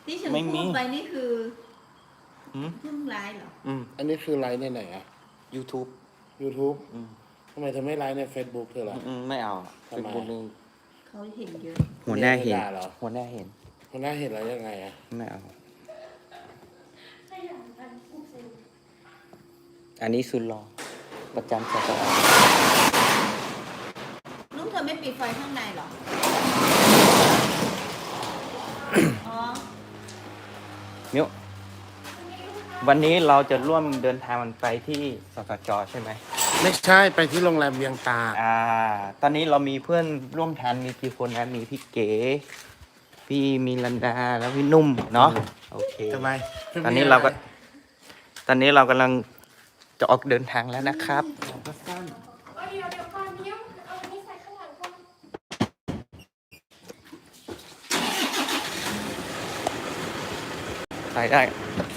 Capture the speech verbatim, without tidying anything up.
ที่ฉันไม่มีพูดไปนี่คืออืมเพิ่งไลฟ์เหรออืมอันนี้คือไลฟ์ในไหนอะ YouTube YouTube อืมทำไมเธอไม่ไลฟ์ใน Facebook เธอล่ะอืมไม่เอาทำไมเป็นคนหนึ่งเขาเห็นเยอะหัวหน้าเห็นด่าเหรอหัวหน้าเห็นคนหน้าเห็นแล้วยังไงอะไม่เอา อันนี้สุดรอประจำสถานลุงเธอไม่ปิดไฟข้างในเหรอ อ๋อมิววันนี้เราจะร่วมเดินทางมันไปที่สสจใช่ไหมไม่ใช่ไปที่โรงแรมเวียงตาอ่า ตอนนี้เรามีเพื่อนร่วมทางมีกี่คนนะ มีพี่เก๋ พี่มีลันดา แล้วพี่นุ่ม เนาะ โอเคทำไมตอนนี้เราก็ ตอนนี้เรากำลังจะออกเดินทางแล้วนะครับก็สั้นเดี๋ยวเดี๋ยวก่อนเนี่ยเอาอันนี้ใส่ข้างหลังก่อนใส่ได้